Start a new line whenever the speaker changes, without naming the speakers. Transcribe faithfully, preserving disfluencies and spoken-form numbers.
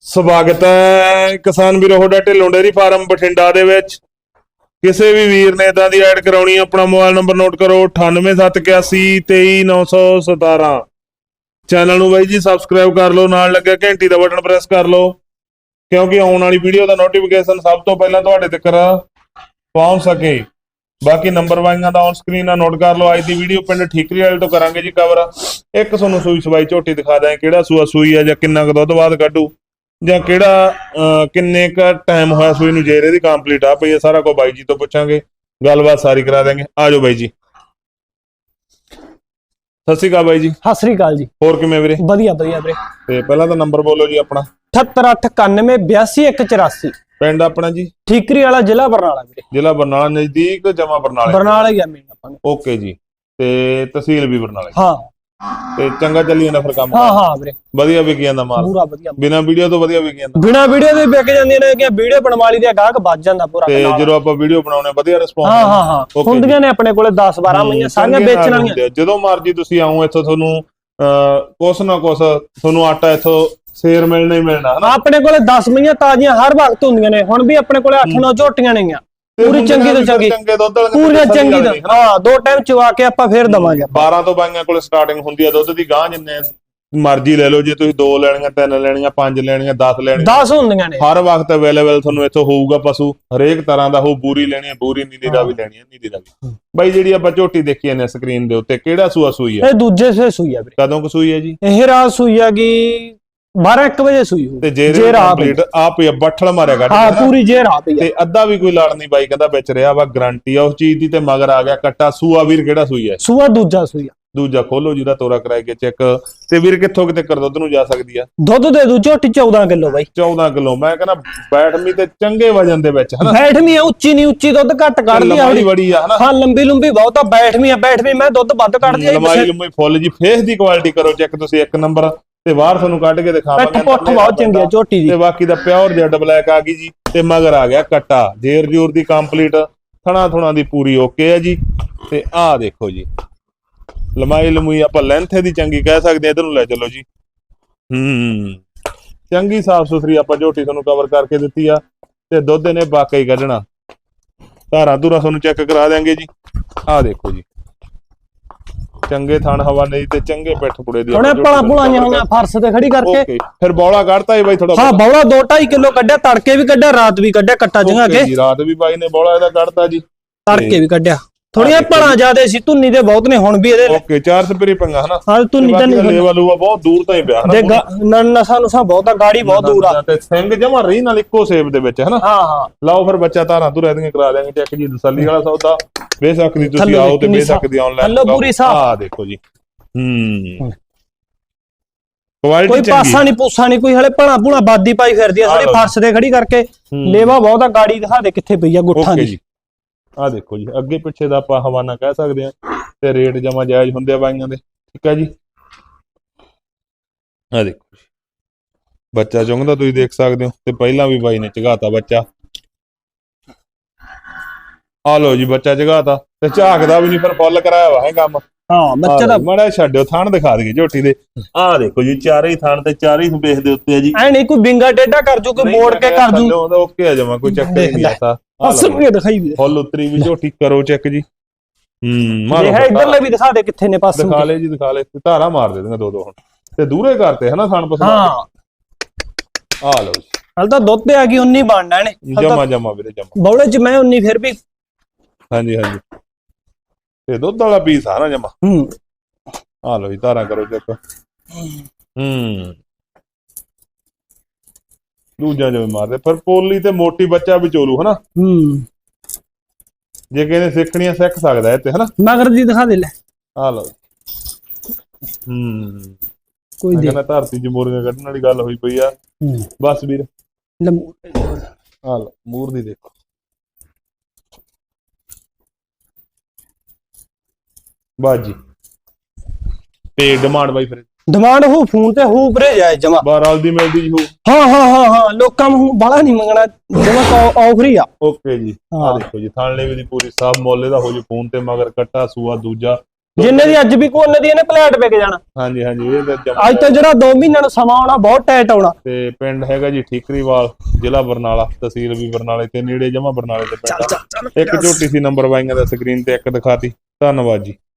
ਸਵਾਗਤ ਹੈ ਕਿਸਾਨ ਵੀਰੋ ਤੁਹਾਡਾ ਢਿੱਲੋਂ ਡੇਅਰੀ ਫਾਰਮ ਬਠਿੰਡਾ ਦੇ ਵਿੱਚ। ਕਿਸੇ ਵੀ ਵੀਰ ਨੇ ਇਦਾਂ ਦੀ ਐਡ ਕਰਾਉਣੀ ਆਪਣਾ ਮੋਬਾਈਲ ਨੰਬਰ ਨੋਟ ਕਰੋ ਅਠਾਨਵੇਂ ਸੱਤ ਇਕਿਆਸੀ ਤੇਈ ਨੌ ਸੌ ਸਤਾਰਾਂ। ਚੈਨਲ ਨੂੰ ਬਾਈ ਜੀ ਸਬਸਕ੍ਰਾਈਬ ਕਰ ਲਓ, ਨਾਲ ਲੱਗਿਆ ਘੰਟੀ ਦਾ ਬਟਨ ਪ੍ਰੈਸ ਕਰ ਲਓ ਕਿਉਂਕਿ ਆਉਣ ਵਾਲੀ ਵੀਡੀਓ ਦਾ ਨੋਟੀਫਿਕੇਸ਼ਨ ਸਭ ਤੋਂ ਪਹਿਲਾਂ ਤੁਹਾਡੇ ਤੱਕ ਪਹੁੰਚ ਸਕੇ। ਬਾਕੀ ਨੰਬਰ ਵਾਈਆਂ ਦਾ ਔਨ ਸਕਰੀਨ ਆ ਨੋਟ ਕਰ ਲਓ। ਅੱਜ ਦੀ ਵੀਡੀਓ ਪਿੰਡ ਠੀਕਰੀ ਵਾਲੇ ਤੋਂ ਕਰਾਂਗੇ ਜੀ ਕਵਰ। ਇੱਕ ਤੁਹਾਨੂੰ ਸੂਈ ਸਵਾਈ ਝੋਟੀ ਦਿਖਾ ਦਾਂ, ਕਿਹੜਾ ਸੂਆ ਸੂਈ ਆ ਜਾਂ ਕਿੰਨਾ ਕੁ ਦੁੱਧ ਬਾਅਦ ਕੱਢੂ ਜਾਂ ਕਿਹੜਾ ਕਿੰਨੇ ਕ ਟਾਈਮ ਹੋਇਆ ਸੂਈ ਨੂੰ, ਜੇ ਇਹਦੀ ਕੰਪਲੀਟ ਆ ਪਈ ਹੈ ਸਾਰਾ ਕੁਝ ਬਾਈ ਜੀ ਤੋਂ ਪੁੱਛਾਂਗੇ, ਗੱਲਬਾਤ ਸਾਰੀ ਕਰਾ ਦਾਂਗੇ। ਆ ਜਾਓ ਬਾਈ ਜੀ। ਸਤਿ ਸ਼੍ਰੀ ਅਕਾਲ ਬਾਈ ਜੀ।
ਸਤਿ ਸ਼੍ਰੀ ਅਕਾਲ ਜੀ।
ਹੋਰ ਕਿਵੇਂ ਵੀਰੇ?
ਵਧੀਆ ਵਧੀਆ ਵੀਰੇ।
ਤੇ ਪਹਿਲਾਂ ਤਾਂ ਨੰਬਰ ਬੋਲੋ ਜੀ ਆਪਣਾ।
ਅਠੱਤਰ ਅੱਠ ਇਕਾਨਵੇਂ ਬਿਆਸੀ ਇੱਕ ਚੁਰਾਸੀ।
ਪਿੰਡ ਆਪਣਾ ਜੀ?
ਠੀਕਰੀ ਵਾਲਾ, ਜ਼ਿਲ੍ਹਾ ਬਰਨਾਲਾ ਵੀਰੇ।
ਜ਼ਿਲ੍ਹਾ ਬਰਨਾਲਾ ਨਜ਼ਦੀਕ ਜਮਾ ਬਰਨਾਲਾ?
ਬਰਨਾਲਾ ਹੀ ਆ ਮੇਨ ਆਪਾਂ ਨੂੰ।
ਓਕੇ ਜੀ। ਤੇ ਤਹਿਸੀਲ ਵੀ ਬਰਨਾਲਾ?
ਹਾਂ।
ਤੇ ਚੰਗਾ ਚੱਲੀ ਜਾਂਦਾ ਫਿਰ ਕੰਮ?
ਹਾਂ ਹਾਂ ਵੀਰੇ,
ਵਧੀਆ ਵਿਕ ਜਾਂਦਾ ਮਾਲ?
ਪੂਰਾ ਵਧੀਆ, ਬਿਨਾ
ਵੀਡੀਓ ਤੋਂ ਵਧੀਆ ਵਿਕ ਜਾਂਦਾ?
ਬਿਨਾ ਵੀਡੀਓ ਦੇ ਵਿਕ ਜਾਂਦੀਆਂ ਨੇ ਕਿ ਵੀਡੀਓ ਬਣਵਾ ਲਈ ਤੇ ਗਾਹਕ ਵੱਜ ਜਾਂਦਾ ਪੂਰਾ।
ਤੇ ਜਦੋਂ ਆਪਾਂ ਵੀਡੀਓ ਬਣਾਉਣੇ ਵਧੀਆ ਰਿਸਪੌਂਸ?
ਹਾਂ ਹਾਂ ਹਾਂ, ਹੁੰਦੀਆਂ ਨੇ ਆਪਣੇ ਕੋਲੇ ਦਸ ਬਾਰਾਂ ਮਈਆਂ, ਸਾਰੀਆਂ ਵੇਚਣ ਵਾਲੀਆਂ।
ਜਦੋਂ ਮਰਜੀ ਤੁਸੀਂ ਆਓ ਇੱਥੋਂ, ਤੁਹਾਨੂੰ ਕੁਛ ਨਾ ਕੁਛ ਤੁਹਾਨੂੰ ਆਟਾ ਇੱਥੋਂ ਸੇਰ ਮਿਲਣਾ ਹੀ ਮਿਲਣਾ ਹਨਾ। ਆਪਣੇ
ਕੋਲੇ ਦਸ ਮਈਆਂ ਤਾਜ਼ੀਆਂ ਹਰ ਵਕਤ ਹੁੰਦੀਆਂ ਨੇ। ਹੁਣ ਵੀ ਆਪਣੇ ਕੋਲੇ ਅੱਠ ਨੌ ਝੋਟੀਆਂ ਨੇਗੀਆਂ, ਪੂਰੀ ਚੰਗੀ ਤੋਂ ਚੰਗੀ, ਪੂਰੀ ਚੰਗੀ ਤੋਂ ਹਾਂ। ਦੋ ਟਾਈਮ ਚਵਾ ਕੇ ਆਪਾਂ ਫੇਰ ਦਵਾਂਗੇ।
ਬਾਰਾਂ ਤੋਂ ਬਾਈਆਂ ਕੋਲ ਸਟਾਰਟਿੰਗ ਹੁੰਦੀ ਆ ਦੁੱਧ ਦੀ। ਗਾਂ ਜਿੰਨੇ ਮਰਜ਼ੀ ਲੈ ਲਓ, ਜੇ ਤੁਸੀਂ ਦੋ ਲੈਣੀਆਂ, ਤਿੰਨ ਲੈਣੀਆਂ, ਪੰਜ ਲੈਣੀਆਂ, ਦਸ ਲੈਣੀਆਂ, ਦਸ ਹੁੰਦੀਆਂ ਨੇ। ਹਰ ਵਕਤ ਅਵੇਲੇਬਲ ਤੁਹਾਨੂੰ ਇੱਥੋਂ ਹੋਊਗਾ ਪਸ਼ੂ, ਹਰੇਕ ਤਰ੍ਹਾਂ ਦਾ ਹੋ। ਬੂਰੀ ਲੈਣੀ ਹੈ ਬੂਰੀ, ਨੀਲੀ ਦਾ ਵੀ ਲੈਣੀ ਹੈ ਨੀਲੀ ਦਾ ਵੀ। ਬਾਈ ਜਿਹੜੀ ਆਪਾਂ ਝੋਟੀ ਦੇਖੀ ਨੇ ਸਕਰੀਨ ਦੇ ਉੱਤੇ, ਕਿਹੜਾ ਸੂਆ ਸੂਈ ਹੈ?
ਇਹ ਦੂਜੇ ਸੇ ਸੂਈ ਆ ਵੀਰੇ।
ਕਦੋਂ ਕੁ ਸੂਈ ਹੈ ਜੀ? ਇਹ
ਰਾਤ ਸੂਈ ਆ ਗਈ ਬਾਰਾਂ ਇੱਕ ਵਜੇ ਸੂਈ ਹੋ।
ਤੇ ਜੇ ਕੰਪਲੀਟ ਆਪ ਹੀ ਬੱਠਲ ਮਾਰਿਆ ਕੱਢ?
ਹਾਂ ਪੂਰੀ ਜੇ ਰਾਤ ਹੀ।
ਤੇ ਅੱਧਾ ਵੀ ਕੋਈ ਲੜ ਨਹੀਂ ਬਾਈ ਕਹਿੰਦਾ ਵਿੱਚ ਰਿਹਾ ਵਾ, ਗਾਰੰਟੀ ਆ ਉਸ ਚੀਜ਼ ਦੀ। ਤੇ ਮਗਰ ਆ ਗਿਆ ਕੱਟਾ। ਸੂਆ ਵੀਰ ਕਿਹੜਾ ਸੂਈ ਹੈ?
ਸੂਆ ਦੂਜਾ ਸੂਈ ਆ।
ਦੂਜਾ ਖੋਲੋ ਜਿਹਦਾ ਤੋਰਾ ਕਰਾਏ ਕੇ ਚੈੱਕ। ਤੇ ਵੀਰ ਕਿੱਥੋਂ ਕਿਤੇ ਕਰ ਦੁੱਧ ਨੂੰ ਜਾ ਸਕਦੀ ਆ?
ਦੁੱਧ ਦੇ ਦੂ ਝੋਟੀ ਚੌਦਾਂ ਕਿਲੋ ਬਾਈ।
ਚੌਦਾਂ ਕਿਲੋ ਮੈਂ ਕਹਿੰਦਾ ਬੈਠਵੀਂ ਤੇ ਚੰਗੇ ਵਜਨ ਦੇ ਵਿੱਚ ਹਨਾ।
ਬੈਠਵੀਂ ਉੱਚੀ ਨਹੀਂ, ਉੱਚੀ ਦੁੱਧ ਘੱਟ ਕੱਢਦੀ ਆ,
ਬੜੀ ਆ ਹਨਾ।
ਹਾਂ ਲੰਬੀ ਲੰਬੀ ਬਹੁਤ ਆ। ਬੈਠਵੀਂ ਆ, ਬੈਠਵੀਂ ਮੈਂ ਦੁੱਧ ਵੱਧ ਕੱਢਦੀ ਆ।
ਲੰਬਾਈ ਲੰਬਾਈ ਫੁੱਲ ਜੀ। ਫੇਸ ਦੀ ਕੁਆਲਿਟੀ ਕਰੋ ਚੈੱਕ ਤੁਸੀਂ ਇੱਕ ਨੰਬਰ। ਤੇ ਬਾਹਰ ਤੁਹਾਨੂੰ ਕੱਢ ਕੇ ਦਿਖਾਵਾਂਗੇ।
ਪੁੱਠ ਬਹੁਤ ਚੰਗੀ ਆ ਝੋਟੀ ਦੀ।
ਤੇ ਬਾਕੀ ਦਾ ਪਿਓਰ ਜੈਡ ਬਲੈਕ ਆ ਗਈ ਜੀ। ਤੇ ਮਗਰ ਆ ਗਿਆ ਕੱਟਾ, ਜੇਰ ਜੂਰ ਦੀ ਕੰਪਲੀਟ, ਥਣਾ ਥੁਣਾ ਦੀ ਪੂਰੀ ਓਕੇ ਹੈ ਜੀ। ਤੇ ਆਹ ਦੇਖੋ ਜੀ, ਲੰਮਾਈ ਲੰਮੂਈ ਆਪਾਂ ਲੈਂਥ ਦੀ ਚੰਗੀ ਕਹਿ ਸਕਦੇ ਆ। ਇਧਰ ਨੂੰ ਲੈ ਚਲੋ ਜੀ। ਹੂੰ ਚੰਗੀ ਸਾਫ ਸੁਥਰੀ ਆਪਾਂ ਝੋਟੀ ਤੁਹਾਨੂੰ ਕਵਰ ਕਰਕੇ ਦਿੱਤੀ ਆ। ਤੇ ਦੁੱਧ ਨੇ ਵਾਕਈ ਕੱਢਣਾ। ਧਾਰਾਂ ਧੂਰਾਂ ਤੁਹਾਨੂੰ ਚੈੱਕ ਕਰਾ ਦਿਆਂਗੇ ਜੀ। ਆਹ ਦੇਖੋ ਜੀ, ਚੰਗੇ ਥਣ ਹਵਾ ਨਹੀਂ ਤੇ ਚੰਗੇ ਪਿੱਠ ਪੁੜੇ ਦੀ।
ਹੁਣੇ ਪਲਾ ਪੁਲਾਈਆਂ ਹੋਈਆਂ ਫਰਸ਼ ਤੇ ਖੜੀ ਕਰਕੇ।
ਫਿਰ ਬੌਲਾ ਕੱਢਤਾ ਏ ਬਾਈ ਥੋੜਾ?
ਹਾਂ ਬੌਲਾ ਦੋ ਢਾਈ ਕਿਲੋ ਕੱਢਿਆ, ਤੜਕੇ ਵੀ ਕੱਢਿਆ, ਰਾਤ ਵੀ ਕੱਢਿਆ। ਕੱਟਾ ਜਗਾ ਕੇ
ਰਾਤ ਵੀ ਬਾਈ ਨੇ ਬੌਲਾ ਇਹਦਾ ਕੱਢਤਾ ਜੀ,
ਤੜਕੇ ਵੀ ਕੱਢਿਆ। ਥੋੜੀਆਂ ਭਲਾ ਜ਼ਿਆਦੇ ਸੀ, ਧੁੰਨੀ ਦੇ ਬਹੁਤ ਨੇ ਹੁਣ ਵੀ ਇਹਦੇ।
ਓਕੇ, ਚਾਰ ਸਪਰੀ ਪੰਗਾ ਹਨਾ।
ਹਾਂ ਧੁੰਨੀ ਤਾਂ ਨਹੀਂ,
ਲੈਵਲ ਹੋਆ ਬਹੁਤ ਦੂਰ ਤਾਂ ਹੀ ਪਿਆ ਹਨਾ।
ਨਸਾਂ ਨਸਾਂ ਬਹੁਤ ਆ, ਗਾੜੀ ਬਹੁਤ ਦੂਰ ਆ।
ਤੇ ਸਿੰਘ ਜਮਾ ਰਹੀ ਨਾਲ ਇੱਕੋ ਸੇਬ ਦੇ ਵਿੱਚ ਹਨਾ।
ਹਾਂ ਹਾਂ
ਲਾਓ ਫਿਰ ਬੱਚਾ ਧਾਰਾਂ ਧੁਰਾਂ ਦੀਆਂ ਕਰਾ ਦਿਆਂਗੇ ਚੈੱਕ ਜੀ। ਤਸੱਲੀ ਵਾਲਾ ਸੌਦਾ। ਬੇਸ਼ੱਕ ਦੀ ਤੁਸੀਂ ਆਓ ਤੇ ਬੇਸ਼ੱਕ ਦੀ ਆਨਲਾਈਨ। ਆਹ ਦੇਖੋ ਜੀ। ਹੂੰ
ਕੋਈ ਪਾਸਾ ਨਹੀਂ ਪੂਸਾ ਨਹੀਂ, ਕੋਈ ਹਲੇ ਭਣਾ ਭੂਣਾ ਬਾਦੀ ਪਾਈ ਫਿਰਦੀ ਆ ਸਾਡੀ ਫਰਸ਼ ਤੇ ਖੜੀ ਕਰਕੇ। ਲੇਵਾ ਬਹੁਤ ਆ। ਗਾੜੀ ਦਿਖਾ ਦੇ ਕਿੱਥੇ ਪਈ ਆ ਗੁੱਠਾਂ ਦੀ।
ਆਹ ਦੇਖੋ ਜੀ, ਅੱਗੇ ਪਿੱਛੇ ਦਾ ਆਪਾਂ ਹਵਾਨਾ ਕਹਿ ਸਕਦੇ ਆ। ਤੇ ਰੇਟ ਜਮਾ ਜਾਇਜ਼ ਹੁੰਦੇ ਆ ਬਾਈਆਂ ਦੇ, ਠੀਕ ਹੈ ਜੀ। ਆਹ ਦੇਖੋ ਜੀ, ਬੱਚਾ ਚੁੰਗਦਾ ਤੁਸੀਂ ਦੇਖ ਸਕਦੇ ਹੋ। ਤੇ ਪਹਿਲਾਂ ਵੀ ਬਾਈ ਨੇ ਝਗਾਤਾ ਬੱਚਾ। ਆ ਲੋ ਜੀ, ਬੱਚਾ ਝਗਾਤਾ ਤੇ ਝਾਕਦਾ ਵੀ ਨਹੀਂ, ਫਿਰ ਫੁੱਲ ਕਰਾਇਆ ਵਾ ਹੈ ਕੰਮ।
ਹਾਂ ਬੱਚਾ ਦਾ
ਮਾੜਾ ਛੱਡਿਓ, ਥਣ ਦਿਖਾ ਦਈਏ ਝੋਟੀ ਦੇ। ਆਹ ਦੇਖੋ ਜੀ, ਚਾਰੇ ਹੀ ਥਣ ਤੇ ਚਾਰੇ ਹੀ ਬੇਸ ਦੇ ਉੱਤੇ ਆ ਜੀ।
ਐ ਨਹੀਂ ਕੋਈ ਬਿੰਗਾ ਟੇਢਾ ਕਰ ਜੂ, ਕੋਈ ਮੋੜ ਕੇ ਕਰ ਜੂ।
ਓਕੇ ਆ ਜਮਾ, ਕੋਈ ਚੱਕਰ ਨਹੀਂ ਆਤਾ।
ਅਸਲ ਦਿਖਾਈ ਵੀ
ਫੁੱਲ ਉਤਰੀ ਵੀ ਝੋਟੀ ਕਰੋ ਚੈੱਕ ਜੀ। ਹੂੰ ਮਾਰੋ
ਇਧਰਲੇ ਵੀ ਦਿਖਾ ਦੇ ਕਿੱਥੇ ਨੇ ਪਾਸੇ।
ਦਿਖਾ ਲੈ ਜੀ, ਦਿਖਾ ਲੈ। ਧਾਰਾ ਮਾਰ ਦੇ ਦੇਗਾ ਦੋ ਦੋ ਹੁਣ। ਤੇ ਦੂਰੇ ਕਰਤੇ ਹਨਾ ਥਣ ਪਸੰਦ।
ਹਾਂ
ਆ ਲਓ ਜੀ,
ਹਲ ਤਾਂ ਦੁੱਧ ਤੇ ਆ ਗਈ ਉਨੀ ਬਣਨਾ ਇਹਨੇ।
ਜਮਾ ਜਮਾ ਵੀਰੇ ਜਮਾ।
ਬੌਲੇ ਚ ਮੈਂ ਉਨੀ ਫਿਰ ਵੀ।
ਹਾਂਜੀ ਹਾਂਜੀ, ਤੇ ਦੁੱਧ ਵਾਲਾ ਪੀਸ ਆ ਨਾ ਜਮਾ।
ਹੂੰ
ਆ ਲਓ ਜੀ, ਧਾਰਾ ਕਰੋ ਚੈੱਕ। ਹੂੰ ਦੂਜਾ ਜਿਵੇਂ ਮਾਰਦੇ, ਪਰ ਪੋਲੀ ਤੇ ਮੋਟੀ ਬੱਚਾ ਵੀ ਚੋਲੂ ਹਨਾ।
ਹੂੰ
ਜੇ ਕਿਸੇ ਸਿੱਖਣੀਆਂ ਸਿੱਖ ਸਕਦਾ ਇਹ ਤੇ ਹਨਾ।
ਮਗਰ ਦੀ ਦਿਖਾ ਦੇ ਲੈ।
ਆ ਲਓ। ਹੂੰ
ਕੋਈ
ਕਹਿੰਦਾ ਧਰਤੀ ਚ ਮੋਰੀਆਂ ਕੱਢਣ ਵਾਲੀ ਗੱਲ ਹੋਈ ਪਈ ਆ। ਬਸ ਵੀਰ ਆ ਲਓ, ਮੂਰ ਦੀ ਦੇਖੋ। ਬਾਜੀ ਤੇ ਡਿਮਾਂਡ ਬਾਈ ਫਿਰ
ਡਿਮਾਂਡ ਹੋ ਫੋਨ ਤੇ ਹੋ ਵੀਰੇ ਜਾਇ ਜਮਾ।
ਬਾਰਾਲ ਦੀ ਮਿਲਦੀ ਜੀ ਹੋ।
ਹਾਂ ਹਾਂ ਹਾਂ ਹਾਂ, ਲੋਕਾਂ ਨੂੰ ਬਾਲਾ ਨਹੀਂ ਮੰਗਣਾ, ਜਮਾ ਆਫਰ ਹੀ ਆ।
ਓਕੇ ਜੀ, ਆ ਦੇਖੋ ਜੀ, ਥਾਣੇ ਵੀ ਦੀ ਪੂਰੀ ਸਾਫ ਮੁੱਲ ਇਹਦਾ ਹੋ ਜੂ। ਫੋਨ ਤੇ ਮਗਰ ਕੱਟਾ ਸੂਆ ਦੂਜਾ
ਜਿੰਨੇ ਦੀ ਅੱਜ ਵੀ ਕੋ ਉਹਨਾਂ ਦੀ ਇਹਨੇ ਪਲੇਟ ਵਿਕ ਜਾਣਾ।
ਹਾਂਜੀ ਹਾਂਜੀ ਇਹ ਤਾਂ ਜਮਾਂ
ਅੱਜ ਤੋਂ ਜਿਹੜਾ ਦੋ ਮਹੀਨਿਆਂ ਨੂੰ ਸਮਾਂ ਆਉਣਾ ਬਹੁਤ ਟਾਈਟ ਆਉਣਾ।
ਤੇ ਪਿੰਡ ਹੈਗਾ ਜੀ ਠੀਕਰੀਵਾਲ, ਜ਼ਿਲ੍ਹਾ ਬਰਨਾਲਾ, ਤਹਿਸੀਲ ਵੀ ਬਰਨਾਲੇ ਤੇ ਨੇੜੇ ਜਮਾ ਬਰਨਾਲੇ ਤੇ ਪਿੰਡ ਆ। ਇੱਕ ਝੋਟੀ ਸੀ ਨੰਬਰ ਬਾਈਆਂ ਦਾ ਸਕਰੀਨ ਤੇ ਇੱਕ ਦਿਖਾਤੀ। ਧੰਨਵਾਦ ਜੀ।